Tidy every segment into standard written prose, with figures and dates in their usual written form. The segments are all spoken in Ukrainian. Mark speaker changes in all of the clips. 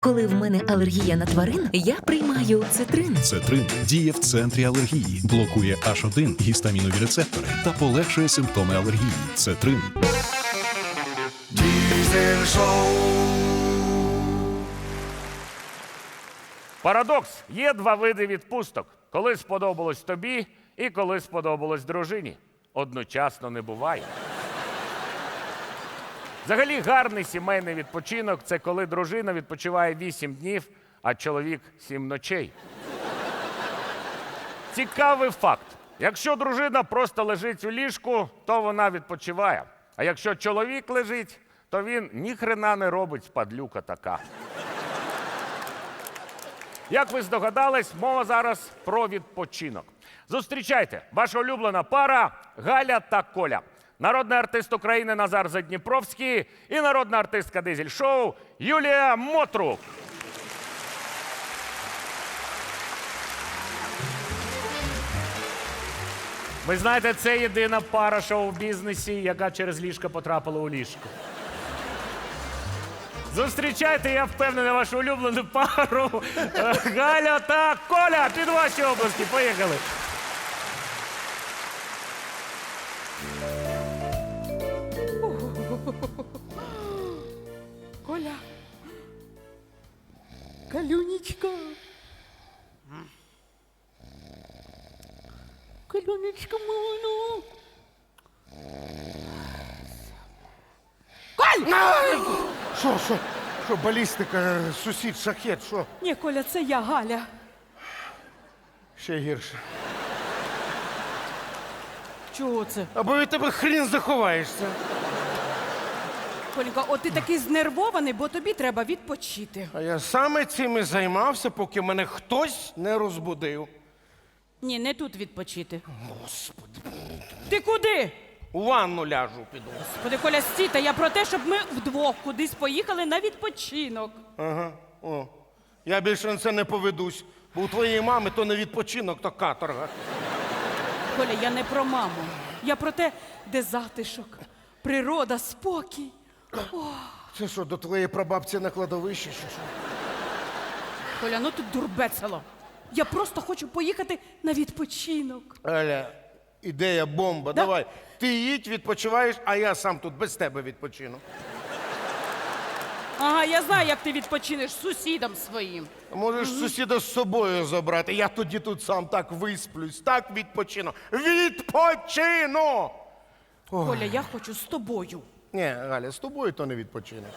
Speaker 1: Коли в мене алергія на тварин, я приймаю цитрин.
Speaker 2: Цетрин діє в центрі алергії, блокує H1 гістамінові рецептори та полегшує симптоми алергії. Цетрин.
Speaker 3: Diesel Show.
Speaker 4: Парадокс. Є два види відпусток. Коли сподобалось тобі і коли сподобалось дружині. Одночасно не буває. Взагалі гарний сімейний відпочинок – це коли дружина відпочиває 8 днів, а чоловік 7 ночей. Цікавий факт. Якщо дружина просто лежить у ліжку, то вона відпочиває. А якщо чоловік лежить, то він ніхрена не робить, падлюка така. Як ви здогадались, мова зараз про відпочинок. Зустрічайте, ваша улюблена пара Галя та Коля. Народний артист України Назар Задніпровський і народна артистка дизель-шоу Юлія Мотрук. Ви знаєте, це єдина пара шоу-бізнесі, яка через ліжко потрапила у ліжко. Зустрічайте, я впевнений, вашу улюблену пару Галя та Коля. Під ваші обласки. Поїхали.
Speaker 5: Коля. Калюнечка. Калюнечка моя, ну. Коль!
Speaker 3: Що, балістика, сусід, шахет, що?
Speaker 5: Ні, Коля, це я, Галя.
Speaker 3: Ще гірше.
Speaker 5: Чого це?
Speaker 3: Або від тебе хрін заховаєшся.
Speaker 5: Колька, от ти такий знервований, бо тобі треба відпочити.
Speaker 3: А я саме цим і займався, поки мене хтось не розбудив.
Speaker 5: Ні, не тут відпочити.
Speaker 3: Господи.
Speaker 5: Ти куди?
Speaker 3: У ванну ляжу піду.
Speaker 5: Господи, Коля, стій, та я про те, щоб ми вдвох кудись поїхали на відпочинок.
Speaker 3: Ага, о. Я більше на це не поведусь, бо у твоєї мами то не відпочинок, то каторга.
Speaker 5: Коля, я не про маму. Я про те, де затишок, природа, спокій.
Speaker 3: Це що, до твоєї прабабці на кладовищі, чи що?
Speaker 5: Коля, ну тут дурбецело. Я просто хочу поїхати на відпочинок.
Speaker 3: Аля, ідея бомба.
Speaker 5: Да.
Speaker 3: Давай, ти їдь, відпочиваєш, а я сам тут без тебе відпочину.
Speaker 5: Ага, я знаю, як ти відпочинеш з сусідом своїм.
Speaker 3: Можеш сусіда з собою забрати. Я тоді тут сам так висплюсь, так відпочину. Відпочину!
Speaker 5: Коля, я хочу з тобою.
Speaker 3: Ні, Галя, з тобою то не відпочинок.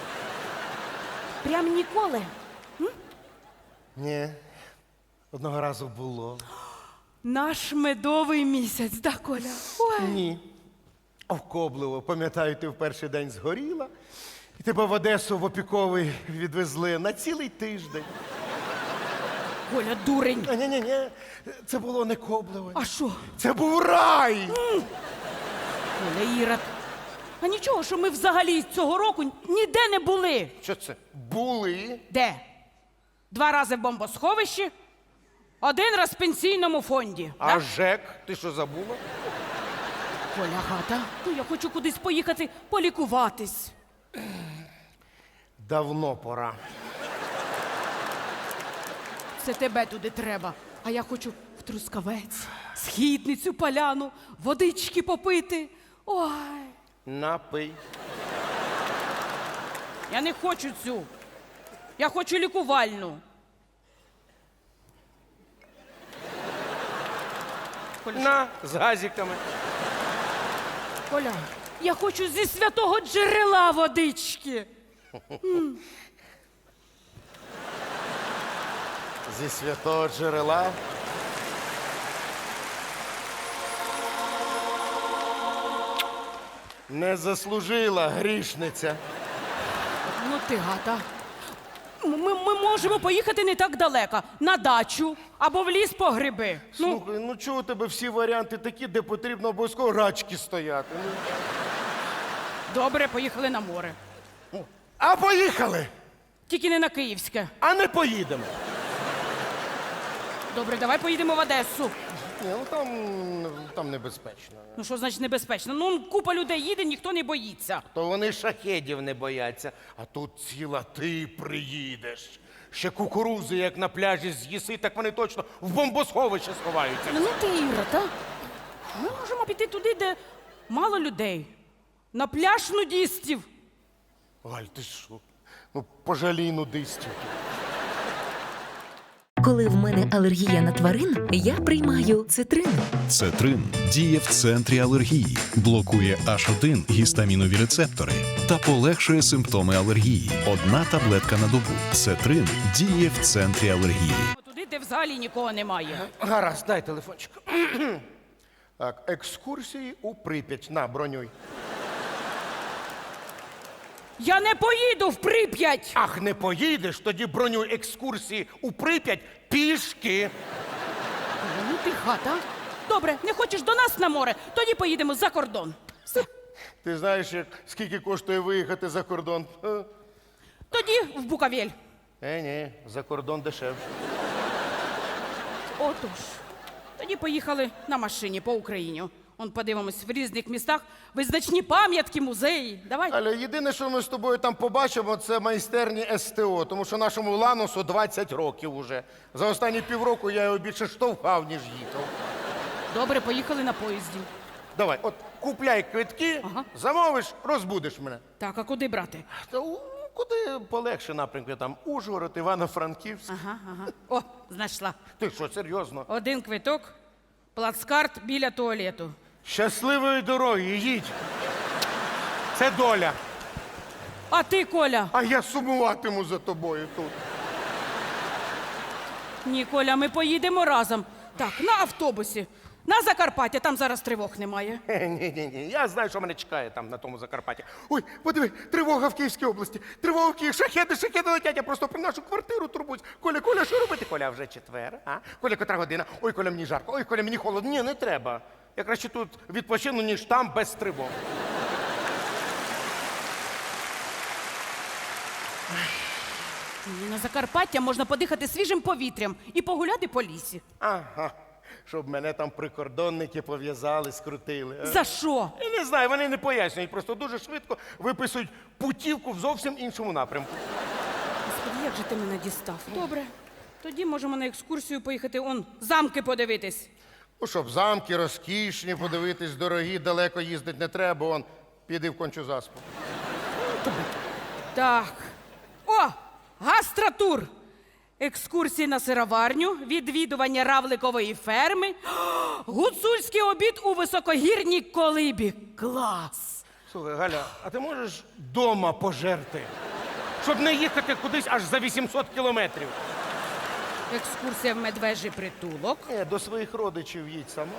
Speaker 5: Прям ніколи.
Speaker 3: Ні. Одного разу було.
Speaker 5: Наш медовий місяць, да, Коля? Ой.
Speaker 3: Ні. Овкобливо. Пам'ятаю, ти в перший день згоріла, і тебе в Одесу в опіковий відвезли на цілий тиждень.
Speaker 5: Коля, дурень.
Speaker 3: Ні. Це було не кобливо.
Speaker 5: А що?
Speaker 3: Це був рай!
Speaker 5: Коля, Ірод. А нічого, що ми взагалі цього року ніде не були.
Speaker 3: Що це? Були?
Speaker 5: Де? 2 рази в бомбосховищі, 1 раз в пенсійному фонді.
Speaker 3: А
Speaker 5: да?
Speaker 3: ЖЕК? Ти що, забула?
Speaker 5: Коля, Гата, ну я хочу кудись поїхати полікуватись.
Speaker 3: Давно пора.
Speaker 5: Це тебе туди треба. А я хочу в Трускавець, Східницю, Поляну, водички попити. Ой,
Speaker 3: Напий.
Speaker 5: я не хочу цю. Я хочу лікувальну.
Speaker 3: На, з газиками.
Speaker 5: Коля, я хочу зі святого джерела водички.
Speaker 3: Зі святого джерела. Не заслужила грішниця.
Speaker 5: Ну ти, Гата. Ми можемо поїхати не так далеко. На дачу або в ліс по гриби.
Speaker 3: Слухай, ну чого у тебе всі варіанти такі, де потрібно обов'язково рачки стояти? Ну.
Speaker 5: Добре, поїхали на море.
Speaker 3: А поїхали!
Speaker 5: Тільки не на Київське.
Speaker 3: А не поїдемо.
Speaker 5: Добре, давай поїдемо в Одесу.
Speaker 3: Ні, ну там небезпечно.
Speaker 5: Ну що значить небезпечно? Ну, купа людей їде, ніхто не боїться.
Speaker 3: То вони шахедів не бояться, а тут ціла ти приїдеш. Ще кукурузи, як на пляжі з'їси, так вони точно в бомбосховище сховаються.
Speaker 5: Ну ти, Іра, та? Ми можемо піти туди, де мало людей. На пляж нудістів.
Speaker 3: Галь, ти що? Ну, пожалій нудистів.
Speaker 1: Коли в мене алергія на тварин, я приймаю цитрин.
Speaker 2: Цетрин діє в центрі алергії, блокує H1 гістамінові рецептори та полегшує симптоми алергії. Одна таблетка на добу. Цетрин діє в центрі алергії.
Speaker 5: Туди, де взагалі нікого немає.
Speaker 3: Гаразд, дай телефончик. Так, екскурсії у Прип'ять. На, бронюй.
Speaker 5: Я не поїду в Прип'ять!
Speaker 3: Ах, не поїдеш, тоді бронюй екскурсії у Прип'ять пішки.
Speaker 5: Ну ти хата. Добре, не хочеш до нас на море, тоді поїдемо за кордон. Все.
Speaker 3: Ти знаєш, скільки коштує виїхати за кордон?
Speaker 5: Тоді в Букавель.
Speaker 3: Ні, за кордон дешевше.
Speaker 5: Отож. Тоді поїхали на машині по Україні. Он подивимось в різних містах визначні пам'ятки, музеї. Давай.
Speaker 3: Але єдине, що ми з тобою там побачимо, це майстерні СТО, тому що нашому Ланосу 20 років уже. За останні півроку я його більше штовхав, ніж їхав.
Speaker 5: Добре, поїхали на поїзді.
Speaker 3: Давай, от купляй квитки,
Speaker 5: Ага.
Speaker 3: замовиш, розбудиш мене.
Speaker 5: Так, а куди брати?
Speaker 3: Та куди полегше напрямки, там Ужгород, Івано-Франківськ.
Speaker 5: Ага. О, знайшла.
Speaker 3: Ти що, серйозно?
Speaker 5: Один квиток, плацкарт біля туалету.
Speaker 3: Щасливої дороги, їдь. Це доля.
Speaker 5: А ти, Коля?
Speaker 3: А я сумуватиму за тобою тут.
Speaker 5: Ні, Коля, ми поїдемо разом. Так, на автобусі. На Закарпаття, там зараз тривог немає.
Speaker 3: Ні. Я знаю, що мене чекає там на тому Закарпатті. Ой, подиви, тривога в Київській області. Тривога в Києві, шахеди летять. Я просто про нашу квартиру турбуюсь. Коля, що робити? Коля, вже четвер, а? Коля, котра година? Ой, Коля, мені жарко. Ой, Коля, мені холодно. Ні, не треба. Я краще тут відпочину, ніж там без тривог.
Speaker 5: На Закарпаття можна подихати свіжим повітрям і погуляти по лісі.
Speaker 3: Ага. Щоб мене там прикордонники пов'язали, скрутили. а?
Speaker 5: За що?
Speaker 3: Я не знаю, вони не пояснюють, просто дуже швидко виписують путівку в зовсім іншому напрямку.
Speaker 5: Господи, як же ти мене дістав? Добре. Тоді можемо на екскурсію поїхати, замки подивитись.
Speaker 3: Ну, щоб замки розкішні, подивитись, дорогі, далеко їздити не треба, піди в кончу заспу.
Speaker 5: Так. О! Гастротур! Екскурсії на сироварню, відвідування равликової ферми, гуцульський обід у високогірній колибі. Клас!
Speaker 3: Слухай, Галя, а ти можеш дома пожерти? Щоб не їхати кудись аж за 800 кілометрів.
Speaker 5: Екскурсія в медвежий притулок,
Speaker 3: До своїх родичів їдь сама.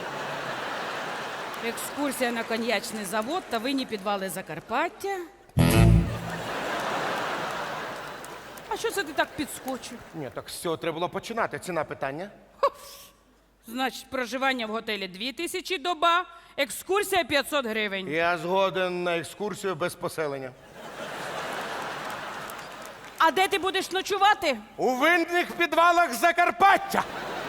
Speaker 5: екскурсія на коньячний завод та винні підвали Закарпаття. А що це ти так підскочив?
Speaker 3: Ні, так з цього треба було починати. Ціна питання.
Speaker 5: Значить, проживання в готелі 2000 доба, екскурсія 500 гривень.
Speaker 3: Я згоден на екскурсію без поселення.
Speaker 5: А де ти будеш ночувати?
Speaker 3: У винних підвалах Закарпаття!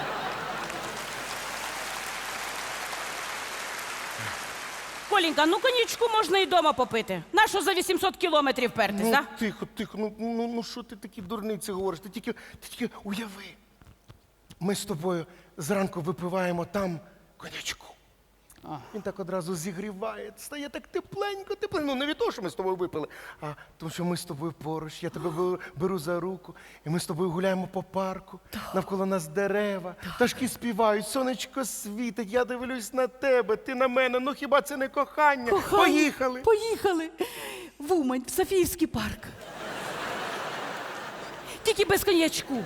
Speaker 5: Коленька, ну коньячку можна і дома попити. Нащо за 800 кілометрів пертись, а?
Speaker 3: Тихо, ну що ти такі дурниці говориш? Ти тільки уяви. Ми з тобою зранку випиваємо там коньячку. Він так одразу зігріває, стає так тепленько. Ну, не від того, що ми з тобою випили, а тому, що ми з тобою поруч, я тебе беру за руку, і ми з тобою гуляємо по парку, навколо нас дерева, пташки співають, сонечко світить, я дивлюсь на тебе, ти на мене, ну хіба це не кохання? Поїхали!
Speaker 5: Поїхали! В Умань, в Софіївський парк. Тільки без коньячку.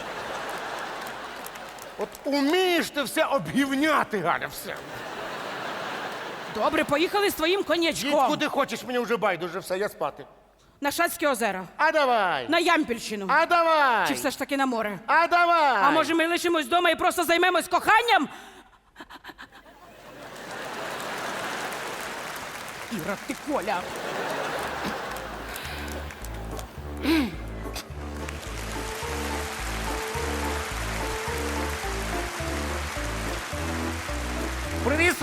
Speaker 3: От умієш ти все обгівняти, Галя, все.
Speaker 5: Добре, поїхали з твоїм
Speaker 3: Їдь
Speaker 5: коньячком.
Speaker 3: куди хочеш, мені вже байдуже, все, я спати.
Speaker 5: На Шацьке озеро,
Speaker 3: А давай!
Speaker 5: на Ямпільщину.
Speaker 3: А давай!
Speaker 5: Чи все ж таки на море?
Speaker 3: А давай!
Speaker 5: А може ми лишимось вдома і просто займемось коханням? Іра, ти Коля.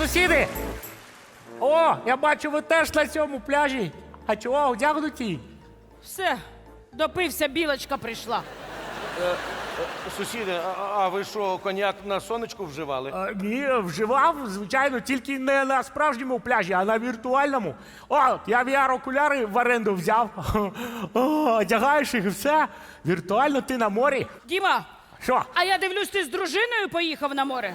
Speaker 6: Сусіди! О, я бачу, ви теж на цьому пляжі. А чого одягнуті?
Speaker 5: Все, допився, білочка прийшла.
Speaker 3: Сусіди, а ви що, коньяк на сонечку вживали?
Speaker 6: Ні, вживав, звичайно, тільки не на справжньому пляжі, а на віртуальному. О, я VR-окуляри в оренду взяв. О, одягаєш їх і все. Віртуально ти на морі.
Speaker 5: Діма,
Speaker 6: Що?
Speaker 5: а я дивлюсь, ти з дружиною поїхав на море.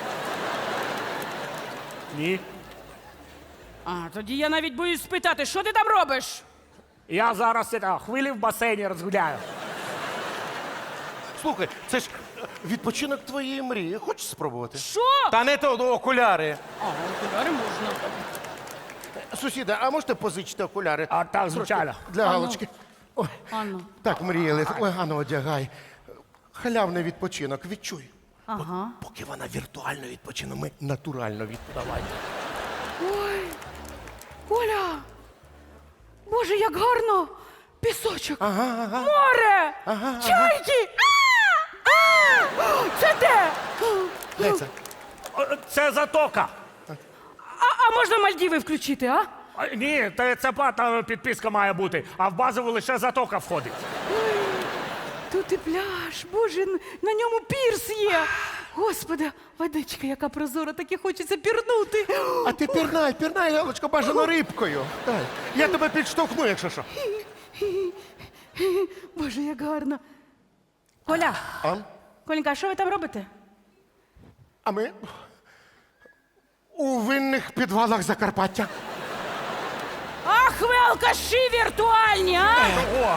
Speaker 6: Ні.
Speaker 5: А, тоді я навіть боюсь спитати, що ти там робиш?
Speaker 6: Я зараз хвилі в басейні розгуляю.
Speaker 3: Слухай, це ж відпочинок твоєї мрії. Хочеш спробувати?
Speaker 5: Що?
Speaker 3: Та не то, окуляри.
Speaker 5: А, окуляри можна.
Speaker 3: Сусіда, а можете позичити окуляри?
Speaker 6: А так, звичайно.
Speaker 3: Для галочки. Ой,
Speaker 5: Ану.
Speaker 3: так мріяли. Ой, Ганно, одягай. Халявний відпочинок, відчуй.
Speaker 5: Ага.
Speaker 3: Поки вона віртуально відпочине, ми натурально відпочиваємо.
Speaker 5: Ой, Оля! Боже, як гарно! Пісочок! Море! Чайки! Це де?
Speaker 3: Де це?
Speaker 6: Це затока.
Speaker 5: А можна Мальдіви включити, а?
Speaker 6: Ні, це платна підписка має бути, а в базову лише затока входить.
Speaker 5: Тут і пляж, боже, на ньому пірс є. Господи, водичка, яка прозора, так і хочеться пірнути.
Speaker 3: А ти пірнай, Галочка, бажано рибкою. Дай. Я тебе підштовхну, якщо що.
Speaker 5: Боже, як гарно. Коля,
Speaker 3: А?
Speaker 5: Коленька, а що ви там робите?
Speaker 3: А ми у винних підвалах Закарпаття.
Speaker 5: Ах, ви алкаші віртуальні, а?
Speaker 6: О,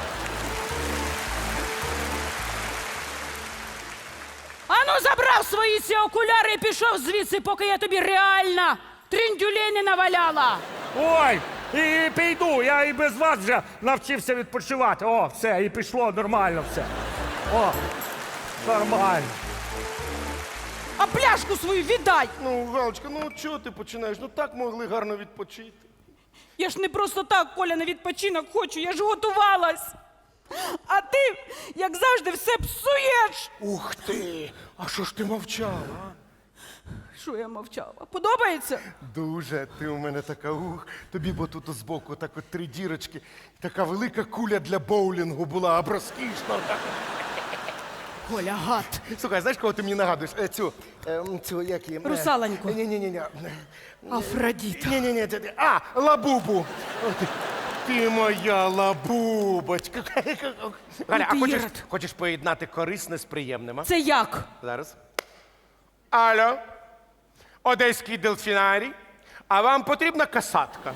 Speaker 5: Ану, забрав свої ці окуляри і пішов звідси, поки я тобі реально триндюлей не наваляла.
Speaker 6: ой, і піду, я і без вас вже навчився відпочивати. О, все, і пішло нормально все. О, нормально.
Speaker 5: А пляшку свою віддай.
Speaker 3: Ну, Галочка, ну чого ти починаєш? Ну так могли гарно відпочити.
Speaker 5: Я ж не просто так, Коля, на відпочинок хочу, я ж готувалась. А ти, як завжди, все псуєш.
Speaker 3: Ух ти! А що ж ти мовчала?
Speaker 5: Що я мовчала? Подобається?
Speaker 3: Дуже ти у мене така Тобі бо тут збоку так от 3 дірочки. Така велика куля для боулінгу була, або розкішна.
Speaker 5: Коля, гад.
Speaker 3: Слухай, знаєш, кого ти мені нагадуєш? Цю, як її?
Speaker 5: Русалоньку.
Speaker 3: Ні.
Speaker 5: Афродіта.
Speaker 3: Ні. Лабубу. О, ти моя лабубочка. Галя, а
Speaker 5: ти
Speaker 3: хочеш,
Speaker 5: єрод.
Speaker 3: хочеш поєднати корисне з приємним? А?
Speaker 5: Це як?
Speaker 3: Зараз. Алло, Одеський дельфінарій. А вам потрібна касатка?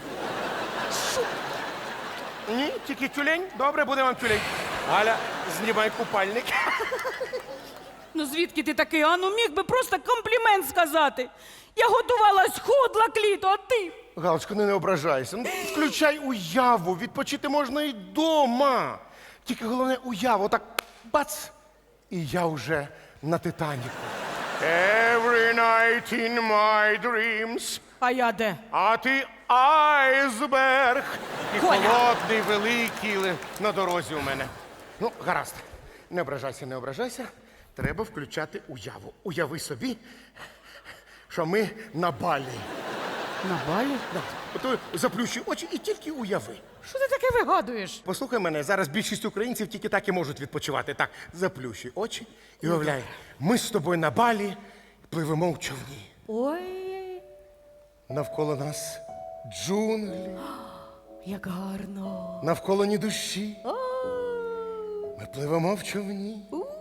Speaker 3: Ні, тільки тюлень? Добре, буде вам тюлень. Галя, знімай купальник.
Speaker 5: Ну звідки ти такий? А ну міг би просто комплімент сказати. Я готувалась, худла кліто, а ти?
Speaker 3: Галочка, не ображайся. Ну, включай уяву, відпочити можна і вдома. Тільки головне уяву, так бац, і я вже на Титаніку. Every night in my dreams.
Speaker 5: А я де?
Speaker 3: А ти айсберг. І
Speaker 5: Коля!
Speaker 3: холодний, великий на дорозі у мене. Ну, гаразд. Не ображайся. Треба включати уяву. Уяви собі, що ми на Балі.
Speaker 5: На балі?
Speaker 3: Ото заплющуй очі і тільки уяви.
Speaker 5: Що ти таке вигадуєш?
Speaker 3: Послухай мене, зараз більшість українців тільки так і можуть відпочивати. Так, заплющуй очі і уявляй, ми з тобою на Балі пливемо в човні.
Speaker 5: Ой,
Speaker 3: Навколо нас джунглі,
Speaker 5: як гарно.
Speaker 3: навколо ні душі. Ми пливемо в човні.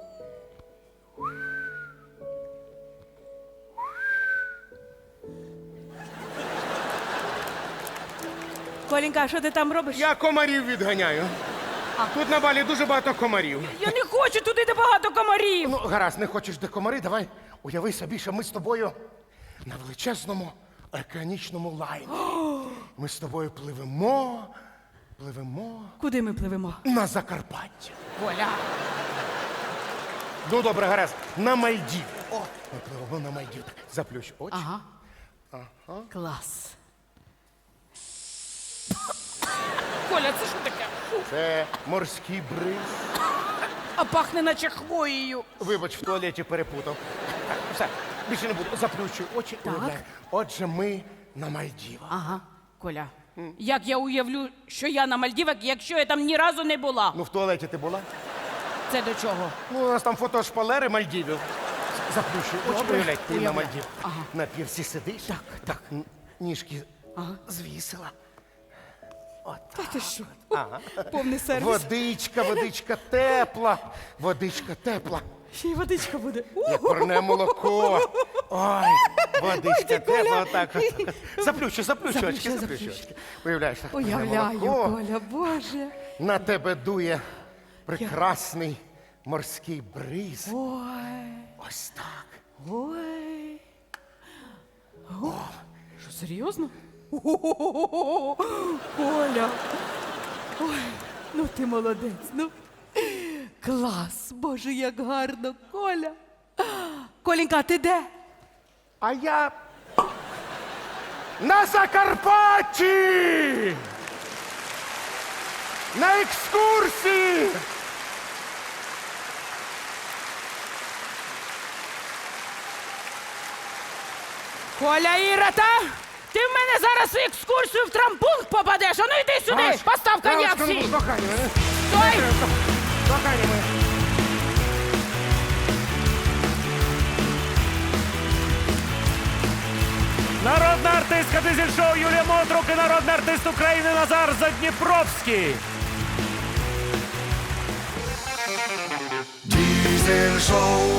Speaker 5: Коленька, а що ти там робиш?
Speaker 3: Я комарів відганяю. Тут на Балі дуже багато комарів.
Speaker 5: Я не хочу туди, де багато комарів.
Speaker 3: Ну, гаразд, не хочеш де комари, давай уяви собі, що ми з тобою на величезному океанічному лайні. Ми з тобою пливемо
Speaker 5: Куди ми пливемо?
Speaker 3: на Закарпаття.
Speaker 5: Коля.
Speaker 3: Ну, добре, гаразд, на Мальдів. О, ми пливемо на Мальдів. Заплющ очі.
Speaker 5: Ага. Клас. Коля, це що таке?
Speaker 3: Це морський бриз.
Speaker 5: А пахне наче хвоєю.
Speaker 3: Вибач, в туалеті перепутав. Так, все, більше не буду. Заплющуй очі, уявляй. Отже, ми на Мальдівах.
Speaker 5: Ага, Коля. Як я уявлю, що я на Мальдівах, якщо я там ні разу не була?
Speaker 3: Ну, в туалеті ти була?
Speaker 5: Це до чого?
Speaker 3: Ну, у нас там фото шпалери Мальдівів. Заплющуй очі,
Speaker 5: Добре.
Speaker 3: уявляй, ти на
Speaker 5: Уявляю.
Speaker 3: Мальдівах.
Speaker 5: Ага.
Speaker 3: На пірсі сидиш. Так. Ніжки звісила.
Speaker 5: Та ти що? Повний сервіс.
Speaker 3: Водичка тепла. Водичка тепла.
Speaker 5: Ще й водичка буде.
Speaker 3: Як парне молоко. Ой, водичка тепла, отак. Заплющу очки. Уявляєш, так, парне
Speaker 5: Уявляю,
Speaker 3: молоко.
Speaker 5: Коля, Боже.
Speaker 3: На тебе дує прекрасний морський бриз.
Speaker 5: Ой,
Speaker 3: Ось так.
Speaker 5: ой. Що, серйозно? О-о-о-о-о! Коля. Ой, ну ти молодець, ну. Клас, Боже, як гарно, Коля. Коленька, а ти де?
Speaker 3: А я на Закарпатті! На екскурсії!
Speaker 5: Коля Ірота, ти в мене зараз в екскурсію в трампункт попадеш. А ну йди сюди, постав коня всі. Стой!
Speaker 3: Кохання моє.
Speaker 4: Народна артистка дизель-шоу Юлія Мотрук і народний артист України Назар Задніпровський.
Speaker 7: Дизель-шоу